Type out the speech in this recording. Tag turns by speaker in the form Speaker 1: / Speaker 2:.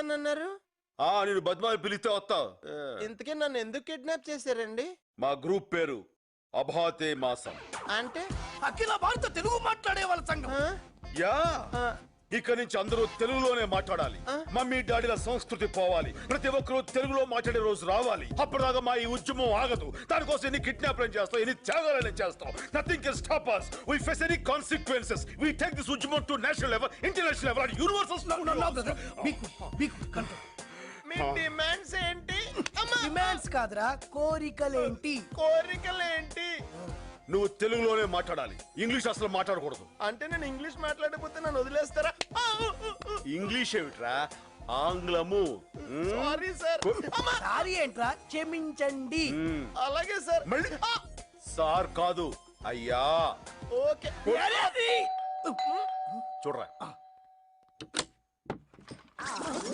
Speaker 1: వస్తానన్నారు.
Speaker 2: నేను బద్మాయి పిలిస్తే వస్తా.
Speaker 1: ఇంతకీ నన్ను ఎందుకు కిడ్నాప్ చేశారండి?
Speaker 2: మా గ్రూప్ పేరు అభాతే మాసం.
Speaker 1: అంటే
Speaker 3: అఖిల భారత తెలుగు మాట్లాడే వాళ్ళ సంఘం.
Speaker 2: యా ఇక నుంచి అందరూ తెలుగులోనే మాట్లాడాలి. మమ్మీ డాడీల సంస్కృతి పోవాలి. ప్రతి ఒక్కరూ తెలుగులో మాట్లాడే రోజు రావాలి. అప్పటిదాకా మా ఈ ఉద్యమం ఆగదు. దానికోసం ఎన్ని కిడ్నాప్లను చేస్తాం, ఎన్ని త్యాగాలను చేస్తాం. Nothing can stop us. We face any consequences. We take this ఉద్యమం to national level, international level and universal.
Speaker 1: మీ డిమాండ్స్ ఏంటి?
Speaker 3: డిమాండ్స్ కాదురా, కోరికలేంటి?
Speaker 1: కోరికలేంటి?
Speaker 2: నువ్వు తెలుగులోనే మాట్లాడాలి. ఇంగ్లీష్ అసలు మాట్లాడకూడదు.
Speaker 1: అంటే నేను ఇంగ్లీష్ మాట్లాడకపోతే నన్ను వదిలేస్తారా?
Speaker 2: ఇంగ్లీష్ ఏమిట్రా, ఆంగ్లము.
Speaker 1: Sorry sir.
Speaker 3: సారీ ఏంట్రా, క్షమించండి.
Speaker 1: అలాగే సార్.
Speaker 2: మళ్ళీ సార్ కాదు అయ్యా.
Speaker 1: ఓకే.
Speaker 2: చూడరా